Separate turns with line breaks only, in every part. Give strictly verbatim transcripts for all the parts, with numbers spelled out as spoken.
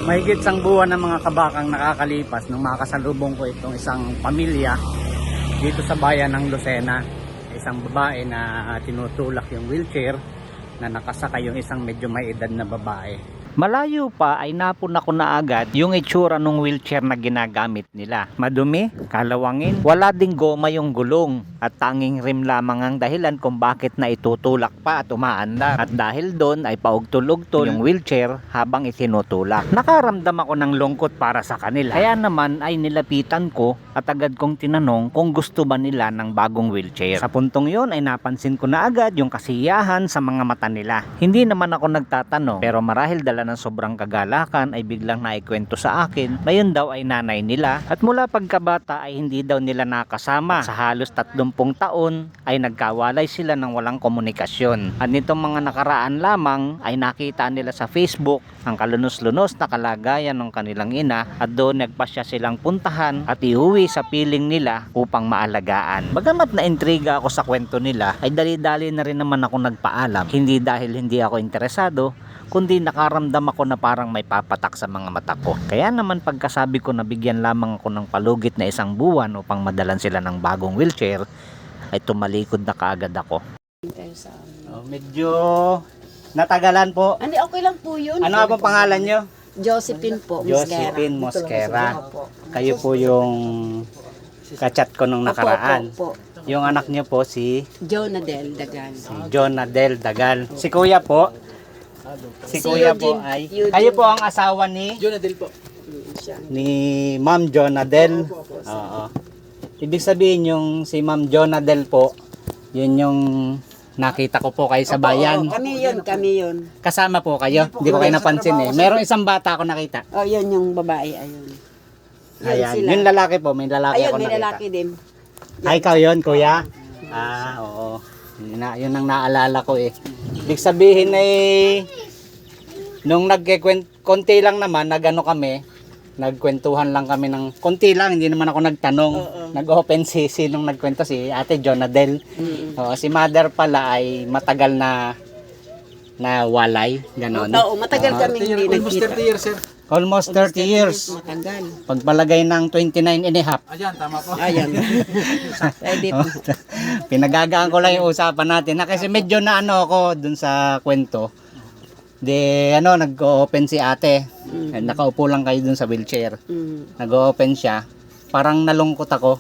Mahigit sang buwan ng mga kabakang nakakalipas nung makasalubong ko itong isang pamilya dito sa bayan ng Lucena. Isang babae na tinutulak yung wheelchair na nakasaka yung isang medyo may edad na babae. Malayo pa ay napuna ko na agad yung itsura ng wheelchair na ginagamit nila. Madumi, kalawangin, wala ding goma yung gulong at tanging rim lamang ang dahilan kung bakit na itutulak pa at umaandar. At dahil doon ay paugtol-ugtol yung wheelchair habang itinutulak. Nakaramdam ako ng lungkot para sa kanila. Kaya naman ay nilapitan ko at agad kong tinanong kung gusto ba nila ng bagong wheelchair. Sa puntong yon ay napansin ko na agad yung kasiyahan sa mga mata nila. Hindi naman ako nagtatanong pero marahil dala ng sobrang kagalakan ay biglang naikwento sa akin na yun daw ay nanay nila at mula pagkabata ay hindi daw nila nakasama. Sa halos tatlumpung taon ay nagkawalay sila ng walang komunikasyon. At nitong mga nakaraan lamang ay nakita nila sa Facebook ang kalunos-lunos na kalagayan ng kanilang ina at doon nagpasya silang puntahan at iuwi sa piling nila upang maalagaan. Bagamat na intriga ako sa kwento nila ay dali-dali na rin naman ako nagpaalam. Hindi dahil hindi ako interesado, kundi nakaramdam ako na parang may papatak sa mga mata ko. Kaya naman pagkasabi ko na bigyan lamang ako ng palugit na isang buwan upang madalan sila ng bagong wheelchair, ay tumalikod na kaagad ako. Oh, medyo natagalan po.
Hindi, okay lang po yun.
Ano nga po pangalan nyo?
Josephine po.
Josephine Mosquera. Kayo po yung kachat ko nung nakaraan.
Opo, opo,
Yung anak nyo po si
Jonadel Dagan.
si Jonadel Dagal. Si Kuya po. Si,
Si
Kuya
Eugene,
po ay
Eugene.
kayo po ang asawa ni
Jonadel po.
Siya.
ni Ma'am Jonadel. Oo. Ibig sabihin yung si Ma'am Jonadel po, yun yung nakita ko po kayo sa bayan.
Oo, kami yun, kami yun.
Kasama po kayo. Hindi ko kayo napansin eh. Merong isang bata ako nakita.
Oh, yun yung babae, ayun. Yun
Ayan.
sila.
Yung lalaki po, may lalaki
Ayun,
ako
may
nakita.
lalaki din.
Ay, ikaw yun, kuya? Ah, oo. Yun, na, yun ang naalala ko eh. Ibig sabihin ay, nung nagkikwent, konti lang naman, nagano kami, nagkwentuhan lang kami ng, konti lang, hindi naman ako nagtanong.
Oo.
Nag-open si, si nung nagkwento si Ate Jonadel.
Mm.
Oo, si mother pala ay matagal na, na walay, ganon.
Oo, matagal kami hindi
Almost
nagkita.
thirty years, sir.
Almost thirty years.
Matagal.
Pagpalagay ng twenty-nine and a half.
Ayan, tama po.
Ayan. Pwede po.
Pinagagaan ko lang yung usapan natin na kasi medyo na ano ako dun sa kwento. De ano, nag-open si ate.
Mm.
Nakaupo lang kayo dun sa wheelchair.
Mm.
Nag-open siya. Parang nalungkot ako.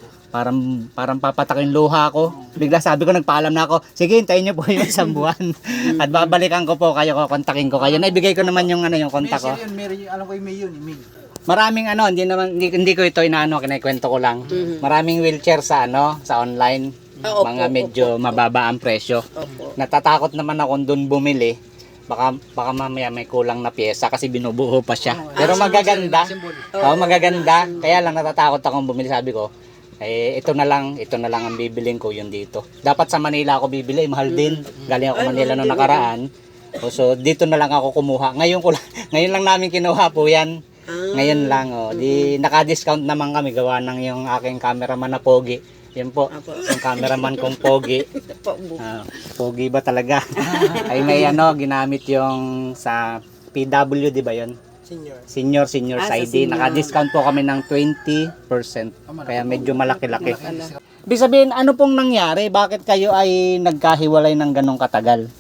Parang parang papatak yung luha ko. Bigla sabi ko, nagpaalam na ako. Sige, hintayin niyo po yung isang buwan. At babalikan ko po kayo, kontakin ko kayo. Naibigay ko naman yung ano yung
May
kontak ko.
sir yun, Mary, alam ko yung May yun, May.
Maraming ano, hindi naman hindi, hindi ko ito inaano, kinikwento ko lang.
Mhm.
Maraming wheelchair sa ano, sa online.
Ah, opo,
Mga medyo mababa ang presyo.
Opo.
Natatakot naman ako doon bumili. Baka baka mamaya may kulang na pyesa kasi binubuo pa siya. Pero magaganda. Oo, magaganda. Kaya lang natatakot akong bumili, sabi ko. Eh ito na lang, ito na lang ang bibiling ko yun dito. Dapat sa Manila ako bibili, mahal din. Galing ako Manila noong nakaraan. O, so dito na lang ako kumuha. Ngayon ko lang, ngayon lang namin kinuha po 'yan. Ngayon lang oh. Di naka-discount naman kami gawa ng yung aking cameraman na pogi. Yan po, yung cameraman kong pogi. Ah, pogi ba talaga? Ay may ano, ginamit yung sa P W, di ba yun?
Senior.
Senior, senior
Ah, sa
sa I D.
senior.
Naka-discount po kami ng twenty percent. Kaya medyo malaki-laki. Ibig sabihin, ano pong nangyari? Bakit kayo ay nagkahiwalay ng ganong katagal?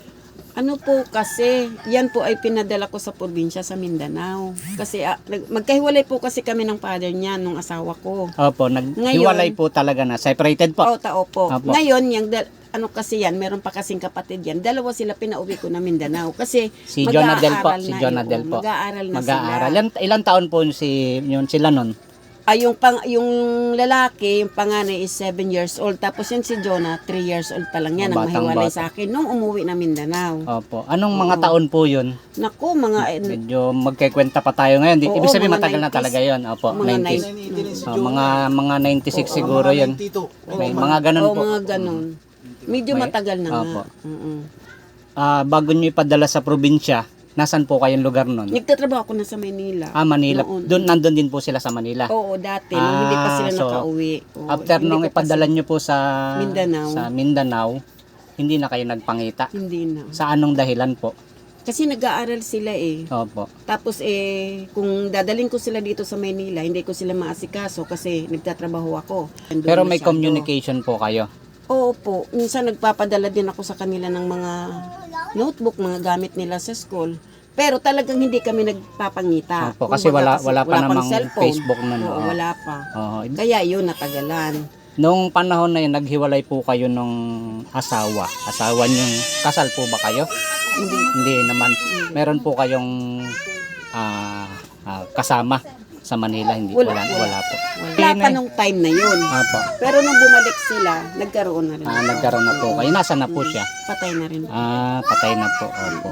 Ano po kasi, yan po ay pinadala ko sa probinsya sa Mindanao. Kasi ah, nag- magkahiwalay po kasi kami ng father niya, nung asawa ko.
Opo, naghiwalay po talaga na. Separated po.
Oo, tao po.
Opo.
Ngayon, yung dal- ano kasi yan, meron pa kasing kapatid yan. Dalawa sila pinauwi ko na Mindanao. Kasi
Si Jonadel po,
mag-aaral
si
na,
Jonadel
oo,
po.
Mag-aaral na
Mag-aaral.
sila.
Ilan, ilan taon po si, yun, sila nun?
Ay, yung, pang, yung lalaki, yung panganay is seven years old. Tapos yan si Jonah, three years old pa lang yan.
Oh,
Ang mahiwalay
batang-bata.
sa akin nung umuwi na Mindanao.
Opo. Anong mga taon po yun?
Naku, mga... eh,
Medyo magkikwenta pa tayo ngayon. Di,
Oo,
ibig sabihin
mga
matagal na
nineties.
talaga yun. Opo,
Mga
nineties.
nineties.
Oh, mga mga ninety-six siguro yun. May mga ganun
Oo,
po.
mga ganun. Medyo
May-
matagal na
Opo.
nga. Mm-mm.
Ah, bago nyo ipadala sa probinsya, nasan po kayong lugar nun?
Nagtatrabaho ako na sa Manila.
Ah, Manila.
Noon.
Doon, nandun din po sila sa Manila.
Oo, dati. nung hindi pa sila
Ah, so,
nakauwi. Oo,
After
hindi
nung
ko pa
ipadala
sila-
nyo po sa
Mindanao.
sa Mindanao, hindi na kayo nagpangita.
Hindi na.
Sa anong dahilan po?
Kasi nag-aaral sila eh.
Opo.
Tapos eh, kung dadalhin ko sila dito sa Maynila, hindi ko sila maasikaso kasi nagtatrabaho ako. Andun
Pero may
masyado.
communication po kayo.
Oo po. Minsan nagpapadala din ako sa kanila ng mga notebook, mga gamit nila sa school. Pero talagang hindi kami nagpapangita.
Opo, kasi wala-
Kumbaga,
wala pa
pang
namang
cellphone.
Facebook nun,
Oo,
oo.
wala pa.
Oo.
Kaya yun, natagalan.
Nung panahon na yun, naghiwalay po kayo nung asawa. Asawa niyong kasal po ba kayo?
Hindi.
Hindi naman. Meron po kayong ah, ah, kasama sa Manila. Hindi
Wala,
wala, wala,
wala.
po.
Wala pa nung time na yun.
Opo.
Pero nung bumalik sila, nagkaroon na rin.
Ah,
ako.
nagkaroon na po kayo. Nasa na po siya?
Patay na rin.
Ah, patay na po. Opo.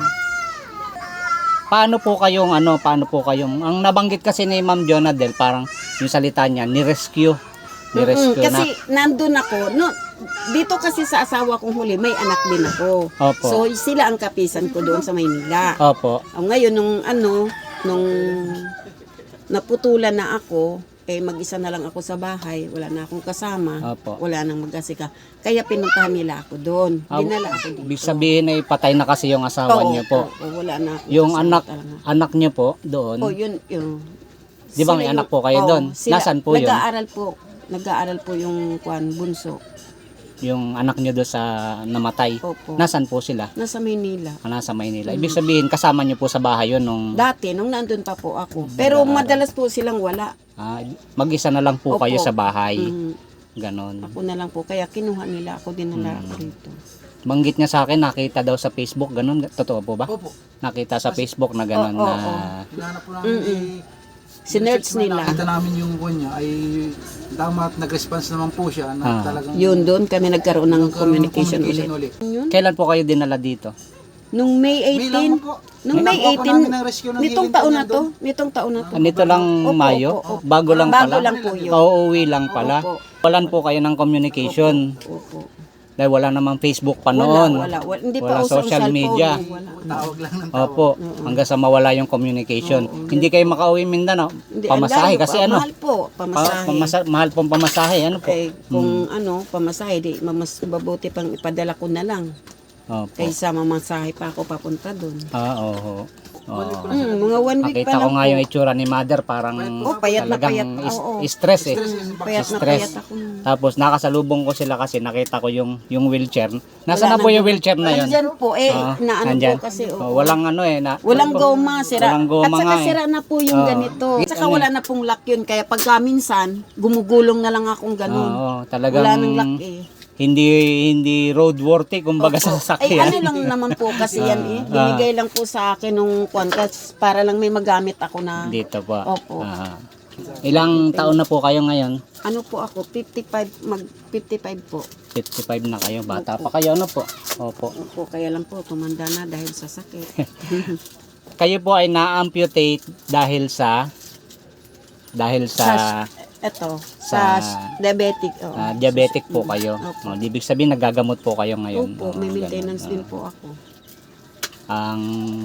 Paano po kayong ano, paano po kayong ang nabanggit kasi ni Ma'am Jonadel, parang yung salita niya, ni-rescue. Ni-rescue
Mm-mm,
na.
kasi nandun ako, no, dito kasi sa asawa kong huli, may anak din ako.
Opo.
So sila ang kapisan ko doon sa Maynila.
Opo.
O, ngayon nung ano, nung naputulan na ako, eh mag-isa na lang ako sa bahay, wala na akong kasama,
Opo.
wala nang mag-asika. Kaya pinuntahan nila ako doon.
Ah,
Dinala ako dito.
Ibig sabihin ay patay na kasi yung asawa
Oo,
niyo po.
oo, wala na ako.
Yung
kasama
anak
talaga.
anak niyo po doon.
Oh, yun, yun.
Di ba may
Sila
anak
yung-
po kayo
oo,
doon?
sila-
Nasaan po yun?
Nag-aaral po. Nag-aaral po yung kwan, bunso.
Yung anak niyo doon sa namatay.
Opo.
Nasaan po sila?
Nasa Maynila.
Ah, Nasa Maynila. Ibig sabihin kasama niyo po sa bahay yun nung
Dati, nung nandun pa po ako. Pero madalas po silang wala.
ah, mag-isa na lang po
Opo.
kayo sa bahay.
Mm,
Ganon.
ako na lang po. Kaya kinuha nila ako, dinala
Mm.
ako rito.
Banggit niya sa akin, nakita daw sa Facebook, ganon. Totoo po ba?
Opo.
Nakita sa Facebook na ganon
Oo,
na...
oo.
Hinahanap po namin
Mm-mm.
eh,
Sinerch
research
nila.
Nakita namin yung kwan niya ay tama at nag-response naman po siya na
Ah.
talagang
Yun, doon kami nagkaroon ng
nagkaroon ng
communication,
communication
ulit.
ulit.
Yun.
Kailan po kayo dinala dito?
Nung May
May
eighteen,
lang po.
nung
May
May
nakuha po
eighteen,
namin ng rescue ng
nitong
healing
taon
po
na to,
nandun.
nitong taon na to.
Ah, Nito lang
Opo,
Mayo?
opo, opo.
Bago lang
Bago
pala?
lang po yun.
Pauuwi lang pala?
Opo.
Walan po kayo ng communication?
Opo.
Dahil wala namang Facebook pa
Wala,
noon.
wala, wala. Hindi pa
Walang
uso ang
social
cellphone.
media.
Wala.
Tawag lang ng tawag.
Opo, hanggang sa mawala yung communication. Hindi kayo makauwi Mindanao.
Hindi, ang
Pamasahe
layo
kasi
pa.
ano?
Mahal po,
Pa-
pamasahe.
pamasa- mahal pong pamasahe. Ano po?
Eh, kung ano, pamasahe, di, mas mabuti pang ipadala ko na lang.
Opo.
Kaysa mamasahe pa ako papunta doon.
Ah, oo. Oo.
Hmm, mga one week
Nakita
pa
ko
lang
nga
po.
yung itsura ni Mother, parang
Oh, payat na
talagang
payat.
is-
Oo.
stress eh.
Hmm, payat na
Stress.
payat ako. nun.
Tapos nakasalubong ko sila kasi nakita ko yung yung wheelchair. Nasaan na
Wala
po
nang-
yung wheelchair na yun?
Nandyan po, eh,
Ah,
na ano
nandyan?
po kasi.
Oh,
oo.
walang ano eh. Na,
Walang goma, sira.
Walang goma
At saka
nga eh.
sira na po yung
Oo.
ganito. At saka
Ano
wala
eh.
na pong lock yun. Kaya pagka minsan, gumugulong na lang akong ganun.
Oo, talagang
Wala nang lock eh.
hindi hindi roadworthy kumbaga sa
Ay,
sasakyan.
ano lang naman po kasi yan eh.
Ah.
Binigay lang po sa akin nung kwantas para lang may magamit ako na.
Dito po.
Opo.
Ah. Ilang taon na po kayo ngayon?
Ano po ako, fifty-five, mag fifty-five po.
fifty-five na kayo. Bata pa kayo ano po? Opo.
Opo, kaya lang po, tumanda na dahil sa sakit.
Kayo po ay na-amputate dahil sa dahil sa
Eto,
Sa-
sa, diabetic. oo.
ah, diabetic po kayo.
Opo.
Oh, ibig sabihin nagagamot po kayo ngayon.
Opo,
Oh,
may
ganun.
maintenance
Ah.
din po ako.
Ang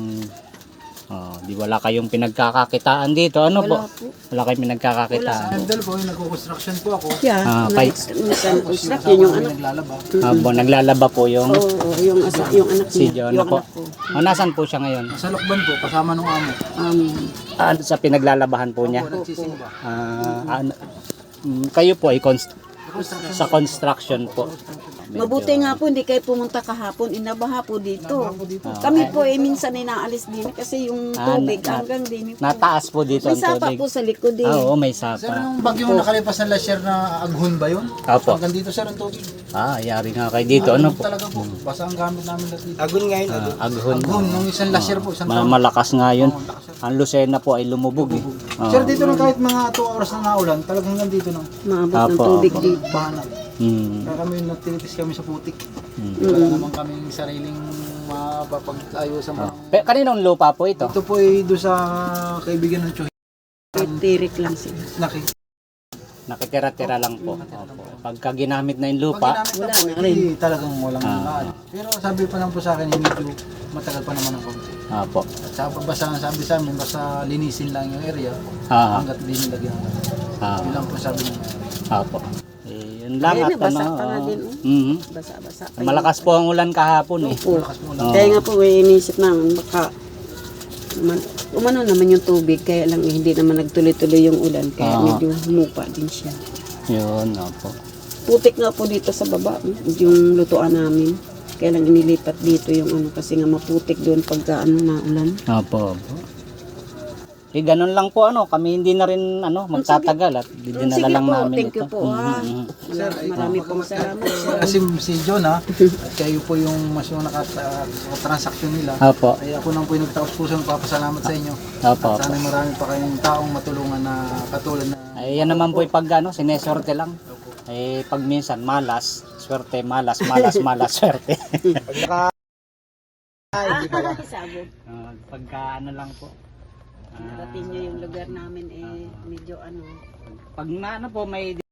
oh, di wala kayong pinagkakakitaan dito. Ano po?
Wala po.
Wala kayong pinagkakakitaan.
Handle po, yung nagko-construction po ako.
Yeah,
Ah,
na,
kay-
minsan,
Tapos
construct,
yung
yun yung
asawa ko
anak.
naglalaba.
Habang naglalaba po yung
Oo, oo, yung, asa, yung anak
si
niya,
Jonah
yung
po.
anak ko.
Oh, nasan po siya ngayon?
Sa Lokban po, kasama nung amo.
Um,
Ah, sa pinaglalabahan po niya.
Opo, nagsisimba.
Ah, ano- mm, kayo po ay const- sa construction po. Medyo-
mabuti nga po, hindi kayo pumunta kahapon, inabaha po dito. Kami po eh, minsan ay naalis din kasi yung
Ah,
tubig
na-
hanggang din. Po.
Nataas po dito
May
ang
sapa
tubig.
po sa likod eh.
Ah, oo, may
Sir,
sapa.
nung bagyong nakalipas na last year na aghon ba yun?
Opo.
Hanggang dito sir ang tubig.
Ah, yari nga kayo dito. Ano po?
Talaga po, basta ang gamit namin lahat dito.
Agun ngayon, agun.
Ah, aghon.
Aghon, nung isang last year po, isang
Ma-
taon.
malakas nga yun. Ang Lucena po ay lumubog eh. Ah.
Sir, dito lang kahit mga two hours na naulan, talagang hanggang dito na.
Maabot ng
Apo,
tubig
apo.
dito.
Bahana.
Hmm.
Kaya kami natinitis kami sa putik.
Hmm.
Wala naman kaming sariling mapapag-ayos sa mga...
Pe, kaninong lupa po ito?
Ito po ay doon sa kaibigan ng Chuhi.
Tirik lang sila.
Naki.
Nakitira-tira lang po. Opo. Pagka ginamit na yung lupa,
Wala na rin.
Hindi talagang walang
Ah.
ah. Pero sabi pa lang po sa akin, medyo matagal pa naman ang konti.
opo.
At sa basta sabi sa amin, basta linisin lang yung area
Ah,
hanggat di nilagyan.
ah,
Yun lang po sabi niya.
opo. Eh, yun Yun lang
Ayun,
at
nabasa
ano.
pa nga
oo.
din, oh.
Mhm.
Basa-basa. pa
Malakas po ang ulan kahapon eh.
Opo.
Malakas mo
Oo.
Kaya nga po, eh, inisip namin, baka man, umano naman yung tubig, kaya lang eh, hindi naman nagtuloy-tuloy yung ulan, kaya
Oo.
medyo humupa din siya.
Yun, opo.
Putik nga po dito sa baba, eh, yung lutuan namin. Kaya lang inilipat dito yung ano, kasi nga maputik doon pagka ano na ulan.
Opo, opo. Eh, ganun lang po ano, kami hindi na rin ano, magtatagal at dinala
Sige
lang
po,
namin
thank
ito.
you po ha.
Mhm.
Sir, ay,
Marami pong salamat. sir.
Kasi si John ha, at kayo po yung mas yung nakatransaksyon nila.
Opo,
Ay ako nang po yung nagtaos puso papasalamat sa inyo.
opo,
At
opo.
sana marami pa kayong taong matulungan na katulad na
Ay, yan naman po yung pag ano, sinesorte lang. Eh, pag minsan malas, swerte, malas, malas, malas, swerte.
Ah, sabog.
Ah, pagka ano lang po. Ah,
Narating nyo yung lugar namin eh, medyo ano.
pag na ano po, may